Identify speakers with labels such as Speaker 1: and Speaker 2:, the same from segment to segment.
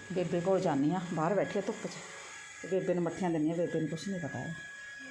Speaker 1: ਬੇਬੇ ਕੋਲ ਜਾਂਦੀ ਹਾਂ, ਬਾਹਰ ਬੈਠੀ ਆ ਧੁੱਪ 'ਚ ਤੇ ਬੇਬੇ ਨੂੰ ਮੱਠੀਆਂ ਦਿੰਦੀ ਹਾਂ। ਬੇਬੇ ਨੂੰ ਕੁਛ ਨਹੀਂ ਪਤਾ ਹੈ।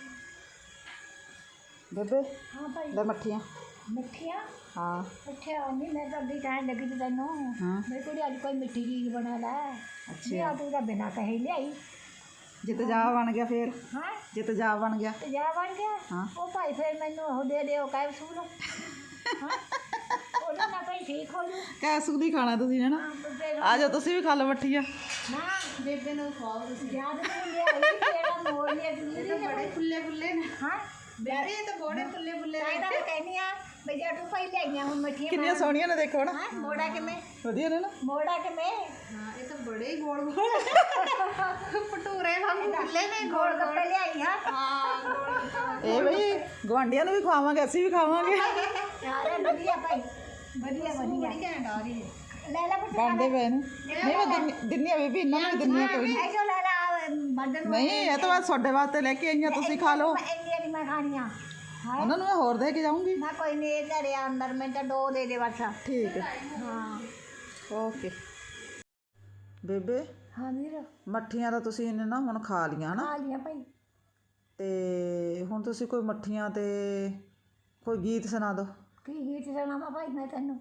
Speaker 1: ਬੇਬੇ
Speaker 2: हाँ भाई
Speaker 1: ਲੈ ਮੱਠੀਆਂ।
Speaker 2: मिठिया
Speaker 1: हाँ
Speaker 2: मिठिया नहीं मैं तो अभी कहने लगी थी तेनों
Speaker 1: हाँ
Speaker 2: मेरे को अज कोई मिठी चीज बना ला
Speaker 1: अच्छा
Speaker 2: तू तो बिना कहे ले आई
Speaker 1: जे तेजाब बन गया फिर
Speaker 2: हाँ
Speaker 1: जे तेजाब बन गया
Speaker 2: तो जा बन गया
Speaker 1: हाँ
Speaker 2: वो भाई फिर मैनू वो दे दे कैप्सूल हाँ ਉਹਦੇ ਨਾਲ ਭਾਈ ਠੀਕ ਹੋ ਜੂ
Speaker 1: कैप्सूल ही खाना तुसीं है ना।
Speaker 2: ਫਿਰ
Speaker 1: आ जाओ तुसीं भी खा लो मट्ठियाँ।
Speaker 2: ਨਾ ਬੇਬੇ ਨੂੰ ਖਵਾਓ ਤੁਸੀਂ ਯਾਦ ਨਹੀਂ ਲਿਆਈ ਤੇਰਾ ਮੋੜ ਲਿਆ ਜ਼ਰੂਰੀ ਹੈ ਬੜੇ
Speaker 1: फुल्ले ने
Speaker 2: ਹਾਂ
Speaker 1: बेबे ये तो बड़े फुल्ले
Speaker 2: ਮੈਂ ਤਾਂ ਕਹਿੰਦੀ ਆ ਬਈ ਜਾ ਤੂੰ ਭਾਈ ਲੈ ਆਈਆਂ ਹੁਣ ਮੱਠੀਆਂ
Speaker 1: कितनी सोहनियां ने देखो ना।
Speaker 2: ਹਾਂ ਮੋੜਾ ਕਿਵੇਂ
Speaker 1: वधिया ने ना।
Speaker 2: ਮੋੜਾ ਕਿਵੇਂ
Speaker 1: हाँ ये तो बड़े ही गोल गोल भटूरे वांगू फुल्ले ने
Speaker 2: ਗੋਲ ਗੱਪੇ ਲਿਆਈ ਹਾਂ
Speaker 1: ए भाई गवांढियां ਨੂੰ ਵੀ ਖਵਾਵਾਂਗੇ, ਅਸੀਂ ਵੀ ਖਾਵਾਂਗੇ।
Speaker 2: ਯਾਰ ਵਧੀਆ ਭਾਈ ਵਧੀਆ ਵਧੀਆ
Speaker 1: ਘੈਂਟ ਆ ਰਹੀ
Speaker 2: ਲੈ ਲੈ ਪੁੱਤ
Speaker 1: ਬਣਦੇ ਪਏ ਨੇ। ਨਹੀਂ ਮੈਂ ਦਿੰਨੀ ਆ ਬੀਬੀ, ਇਹਨਾਂ ਨੂੰ ਵੀ ਦਿੰਨੀ ਆ ਕੋਈ ਨਹੀਂ।
Speaker 2: ਐਸੋ ਲੈ ਲੈ ਮਰਦਨ
Speaker 1: ਨਹੀਂ ਇਹ ਤਾਂ ਬਸ ਤੁਹਾਡੇ ਵਾਸਤੇ ਲੈ ਕੇ ਆਈਆਂ, ਤੁਸੀਂ ਖਾ ਲਓ।
Speaker 2: ਇੰਨੀਆਂ ਨਹੀਂ ਮੈਂ ਖਾਣੀਆਂ ਹਾਂ
Speaker 1: ਉਹਨਾਂ ਨੂੰ ਮੈਂ ਹੋਰ ਦੇ ਕੇ ਜਾਊਂਗੀ।
Speaker 2: ਮੈਂ ਕੋਈ ਨਹੀਂ ਇਹ ਘਰੇ ਅੰਦਰ ਮੈਂ ਤਾਂ ਦੋ ਦੇ ਦੇ ਬਸ
Speaker 1: ਠੀਕ ਹੈ
Speaker 2: ਹਾਂ
Speaker 1: ਓਕੇ। ਬੇਬੇ
Speaker 2: ਹਾਂ ਵੀਰ
Speaker 1: ਮੱਠੀਆਂ ਤਾਂ ਤੁਸੀਂ ਇਹਨੇ ਨਾ ਹੁਣ ਖਾ ਲੀਆਂ ਨਾ,
Speaker 2: ਖਾ ਲੀਆਂ ਭਾਈ
Speaker 1: ਤੇ ਹੁਣ ਤੁਸੀਂ ਕੋਈ ਮੱਠੀਆਂ ਤੇ ਕੋਈ ਗੀਤ ਸੁਣਾ ਦਿਓ।
Speaker 2: ਕੀ ਗੀਤ ਸੁਣਾਵਾਂ ਭਾਈ ਮੈਂ ਤੈਨੂੰ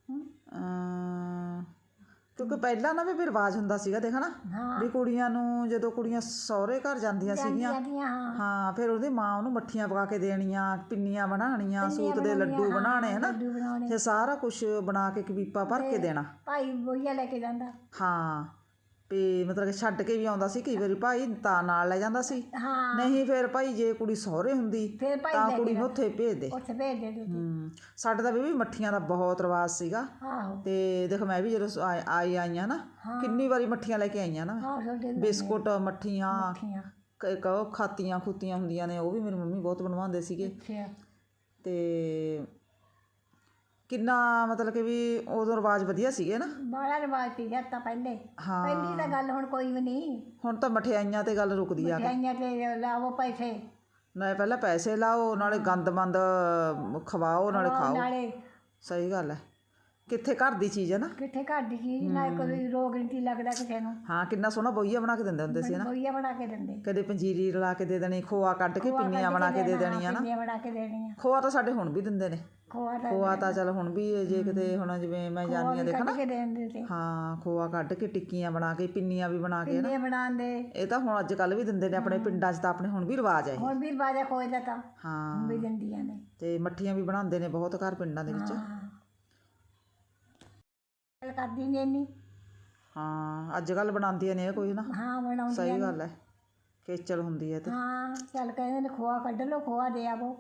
Speaker 1: ਕਿਉਂਕਿ ਪਹਿਲਾਂ ਨਾ ਵੀ ਰਿਵਾਜ ਹੁੰਦਾ ਸੀਗਾ ਦੇਖ ਨਾ
Speaker 2: ਹਾਂ
Speaker 1: ਵੀ ਕੁੜੀਆਂ ਨੂੰ ਜਦੋਂ ਕੁੜੀਆਂ ਸਹੁਰੇ ਘਰ ਜਾਂਦੀਆਂ ਸੀਗੀਆਂ
Speaker 2: ਜਾਂਦੀਆਂ ਹਾਂ
Speaker 1: ਹਾਂ ਫਿਰ ਉਹਦੀ ਮਾਂ ਉਹਨੂੰ ਮੱਠੀਆਂ ਪਕਾ ਕੇ ਦੇਣੀਆਂ, ਪਿੰਨੀਆਂ ਬਣਾਉਣੀਆਂ, ਸੂਤ ਦੇ ਲੱਡੂ ਬਣਾਉਣੇ ਹੈ ਨਾ,
Speaker 2: ਲੱਡੂ ਬਣਾਉਣੇ
Speaker 1: ਫਿਰ ਸਾਰਾ ਕੁਝ ਬਣਾ ਕੇ ਕਬੀਪਾ ਭਰ ਕੇ ਦੇਣਾ।
Speaker 2: ਭਾਈ ਬੋਈਆ ਲੈ ਕੇ ਜਾਂਦਾ
Speaker 1: ਹਾਂ ਵੀ ਮਤਲਬ ਕਿ ਛੱਡ ਕੇ ਵੀ ਆਉਂਦਾ ਸੀ ਕਈ ਵਾਰੀ ਭਾਈ ਤਾਂ ਨਾਲ ਲੈ ਜਾਂਦਾ ਸੀ,
Speaker 2: ਹਾਂ
Speaker 1: ਨਹੀਂ ਫਿਰ ਭਾਈ ਜੇ ਕੁੜੀ ਸਹੁਰੇ ਹੁੰਦੀ
Speaker 2: ਫਿਰ ਭਾਈ
Speaker 1: ਤਾਂ
Speaker 2: ਲੈ
Speaker 1: ਕੁੜੀ
Speaker 2: ਕੇ
Speaker 1: ਨੂੰ ਉੱਥੇ ਭੇਜ ਦੇ।
Speaker 2: ਉੱਥੇ ਭੇਜ ਦੇ ਤੂੰ
Speaker 1: ਸਾਡੇ ਤਾਂ ਵੀ ਮੱਠੀਆਂ ਦਾ ਬਹੁਤ ਰਿਵਾਜ ਸੀਗਾ।
Speaker 2: ਆਹੋ
Speaker 1: ਤੇ ਦੇਖ ਮੈਂ ਵੀ ਜਦੋਂ ਆਈਆਂ ਨਾ ਕਿੰਨੀ ਵਾਰੀ ਮੱਠੀਆਂ ਲੈ ਕੇ ਆਈਆਂ ਨਾ,
Speaker 2: ਆਹੋ ਛੋਟੇ
Speaker 1: ਬਿਸਕੁਟ ਮੱਠੀਆਂ
Speaker 2: ਮੱਠੀਆਂ
Speaker 1: ਉਹ ਖਾਤੀਆਂ ਖੂਤੀਆਂ ਹੁੰਦੀਆਂ ਨੇ, ਉਹ ਵੀ ਮੇਰੀ ਮੰਮੀ ਬਹੁਤ ਬਣਵਾਉਂਦੇ ਸੀਗੇ।
Speaker 2: ਅੱਛਾ
Speaker 1: ਤੇ ਕਿੰਨਾ ਮਤਲਬ ਕਿ ਵੀ ਉਦੋਂ ਰਿਵਾਜ ਵਧੀਆ ਸੀਗੇ ਨਾ।
Speaker 2: ਬੜਾ ਰਿਵਾਜ ਸੀ ਤਾਂ ਪਹਿਲੇ
Speaker 1: ਹਾਂ
Speaker 2: ਪਹਿਲੀ ਤਾਂ ਗੱਲ ਹੁਣ ਕੋਈ ਵੀ ਨਹੀਂ
Speaker 1: ਹੁਣ ਤਾਂ ਮਠਿਆਈਆਂ ਤੇ ਗੱਲ ਰੁਕਦੀ ਆ ਕੇ।
Speaker 2: ਮਠਿਆਈਆਂ ਤੇ ਲਾਵੋ ਪੈਸੇ
Speaker 1: ਨਾਲੇ ਪਹਿਲਾਂ ਪੈਸੇ ਲਾਓ, ਨਾਲੇ ਗੰਦ ਮੰਦ ਖਵਾਓ, ਨਾਲੇ ਖਾਓ।
Speaker 2: ਨਾਲੇ
Speaker 1: ਸਹੀ ਗੱਲ ਹੈ, ਕਿੱਥੇ ਘਰ ਦੀ ਚੀਜ਼ ਹੈ ਨਾ।
Speaker 2: ਕਿੱਥੇ ਘਰ ਦੀ ਚੀਜ਼ ਨਾ ਕੋਈ ਰੋਗ ਨਹੀਂ ਲੱਗਦਾ ਕਿਸੇ ਨੂੰ
Speaker 1: ਹਾਂ ਕਿੰਨਾ ਸੋਹਣਾ ਬੋਈਆ ਬਣਾ ਕੇ ਦਿੰਦੇ ਹੁੰਦੇ ਸੀ ਨਾ।
Speaker 2: ਬੋਈਆ ਬਣਾ ਕੇ ਦਿੰਦੇ
Speaker 1: ਕਦੇ ਪੰਜੀਰੀ ਰਲਾ ਕੇ ਦੇ ਦੇਣੀ, ਖੋਆ ਕੱਢ ਕੇ ਪਿੰਨੀਆਂ ਬਣਾ ਕੇ ਦੇ ਦੇਣੀਆਂ ਨਾ।
Speaker 2: ਪਿੰਨੀਆਂ ਬਣਾ ਕੇ ਦੇਣੀਆਂ
Speaker 1: ਖੋਆ ਤਾਂ ਸਾਡੇ ਹੁਣ ਵੀ ਦਿੰਦੇ ਨੇ।
Speaker 2: ਖੋਆ ਦਾ
Speaker 1: ਖੋਆ ਤਾਂ ਚੱਲ ਹੁਣ ਵੀ ਜੇ ਕਿਤੇ ਹੁਣ ਜਿਵੇਂ ਮੈਂ ਜਾਂਦੀ ਹਾਂ ਦੇਖਣਾ
Speaker 2: ਕੱਢ ਕੇ ਦੇ ਦਿੰਦੇ ਤੇ
Speaker 1: ਹਾਂ ਖੋਆ ਕੱਢ ਕੇ ਟਿੱਕੀਆਂ ਬਣਾ ਕੇ, ਪਿੰਨੀਆਂ ਵੀ ਬਣਾ ਕੇ ਨਾ।
Speaker 2: ਪਿੰਨੀਆਂ ਬਣਾਉਂਦੇ
Speaker 1: ਇਹ ਤਾਂ ਹੁਣ ਅੱਜ ਕੱਲ੍ਹ ਵੀ ਦਿੰਦੇ ਨੇ ਆਪਣੇ ਪਿੰਡਾਂ 'ਚ, ਤਾਂ ਆਪਣੇ ਹੁਣ ਵੀ ਰਿਵਾਜ ਹੈ ਇਹ।
Speaker 2: ਹੁਣ ਵੀ ਬਾਜਾ ਖੋਏ ਦਾ ਤਾਂ
Speaker 1: ਹਾਂ
Speaker 2: ਵੀ ਦਿੰਦੀਆਂ ਨੇ
Speaker 1: ਤੇ ਮੱਠੀਆਂ ਵੀ ਬਣਾਉਂਦੇ ਨੇ ਬਹੁਤ ਘਰ ਪਿੰਡਾਂ ਦੇ ਵਿੱਚ।
Speaker 2: ਗੱਲ ਕਰਦੀ ਨਹੀਂ ਇੰਨੀ
Speaker 1: ਹਾਂ ਅੱਜ ਕੱਲ੍ਹ ਬਣਾਉਂਦੀਆਂ ਨੇ ਇਹ ਕੋਈ ਨਾ।
Speaker 2: ਹਾਂ ਬਣਾਉਂਦੀ
Speaker 1: ਸਹੀ ਗੱਲ ਹੈ, ਖੇਚਲ ਹੁੰਦੀ ਹੈ ਤੇ
Speaker 2: ਹਾਂ ਚੱਲ ਕਹਿੰਦੇ ਨੇ ਖੋਆ ਕੱਢ ਲਓ ਖੋਆ ਦੇ ਆਵੋ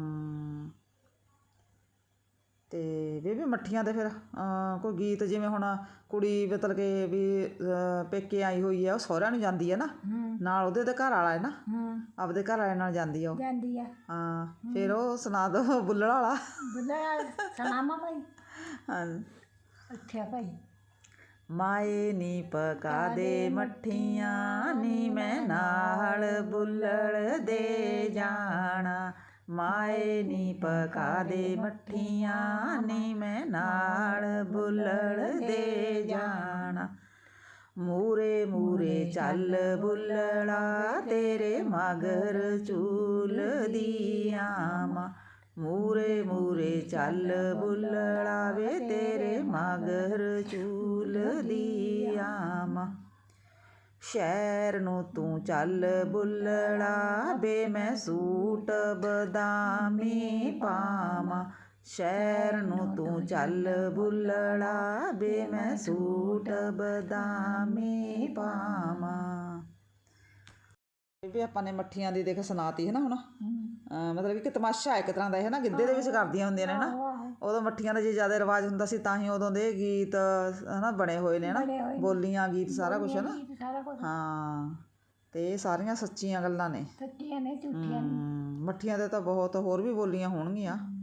Speaker 1: ਤੇ ਬੇਬੀ ਮੱਠੀਆਂ ਤੇ ਫਿਰ ਕੋਈ ਗੀਤ ਜਿਵੇਂ ਹੁਣ ਕੁੜੀ ਮਤਲਬ ਕਿ ਵੀ ਪੇਕੇ ਆਈ ਹੋਈ ਹੈ, ਉਹ ਸਹੁਰਿਆਂ ਨੂੰ ਜਾਂਦੀ ਹੈ ਨਾ, ਨਾਲ ਉਹਦੇ ਤੇ ਘਰ ਵਾਲਾ ਹੈ ਨਾ, ਆਪਦੇ ਘਰ ਵਾਲੇ ਨਾਲ ਜਾਂਦੀ ਆ ਉਹ।
Speaker 2: ਜਾਂਦੀ ਆ
Speaker 1: ਹਾਂ ਫਿਰ ਉਹ ਸੁਣਾ ਦੋ ਬੁੱਲੜ ਵਾਲਾ।
Speaker 2: ਬੁੱਲਾ ਸੁਣਾਵਾਂ ਭਾਈ
Speaker 1: ਹਾਂ
Speaker 2: ਅੱਛਾ ਭਾਈ
Speaker 1: ਮਾਏ ਨੀ ਪਕਾ ਦੇ ਮੱਠੀਆਂ ਨੀ ਮੈਂ ਨਾਲ ਬੁੱਲੜ ਦੇ ਜਾਣਾ, ਮਾਏ ਨੀ ਪਕਾ ਦੇ ਮੱਠੀਆਂ ਨੀ ਮੈਂ ਨਾਲ ਬੁੱਲੜ ਦੇ ਜਾਣਾ, ਮੂਰੇ ਮੂਰੇ ਚੱਲ ਬੁੱਲੜਾ ਤੇਰੇ ਮਗਰ ਝੂਲਦੀ ਆਵਾਂ, ਮੂਰੇ ਮੂਰੇ ਚੱਲ ਬੁੱਲੜਾ ਵੇ ਤੇਰੇ ਮਗਰ ਝੂਲਦੀ ਆਵਾਂ, ਸ਼ਹਿਰ ਨੂੰ ਤੂੰ ਚੱਲ ਬੁੱਲੜਾ ਬੇ ਮੈਂ ਸੂਟ ਬਦਾਮੀ ਪਾਵਾਂ, ਸ਼ਹਿਰ ਨੂੰ ਤੂੰ ਚੱਲ ਬੁੱਲੜਾ ਬੇ ਮੈਂ ਸੂਟ ਬਦਾਮੀ ਪਾਵਾਂ। ਵੀ ਆਪਾਂ ਨੇ ਮੱਠੀਆਂ ਦੀ ਦੇਖ ਸੁਣਾਤੀ ਹੈ ਨਾ ਹੁਣ। ਮਤਲਬ ਕਿ ਤਮਾਸ਼ਾ ਇੱਕ ਤਰ੍ਹਾਂ ਦਾ ਹੈ ਨਾ, ਗਿੱਧੇ ਦੇ ਵਿੱਚ ਕਰਦੀਆਂ ਹੁੰਦੀਆਂ ਨੇ ਨਾ। ਉਦੋਂ ਮੱਠੀਆਂ ਦਾ ਜੇ ਜ਼ਿਆਦਾ ਰਿਵਾਜ ਹੁੰਦਾ ਸੀ ਤਾਂ ਹੀ ਉਦੋਂ ਦੇ ਗੀਤ ਹੈ ਨਾ ਬਣੇ ਹੋਏ ਨੇ ਨਾ, ਬੋਲੀਆਂ ਗੀਤ ਸਾਰਾ ਕੁਛ ਹੈ ਨਾ। ਹਾਂ ਤੇ ਇਹ ਸਾਰੀਆਂ ਸੱਚੀਆਂ ਗੱਲਾਂ ਨੇ,
Speaker 2: ਸੱਚੀਆਂ ਨੇ ਝੂਠੀਆਂ ਨੇ।
Speaker 1: ਮੱਠੀਆਂ ਦੇ ਤਾਂ ਬਹੁਤ ਹੋਰ ਵੀ ਬੋਲੀਆਂ ਹੋਣਗੀਆਂ।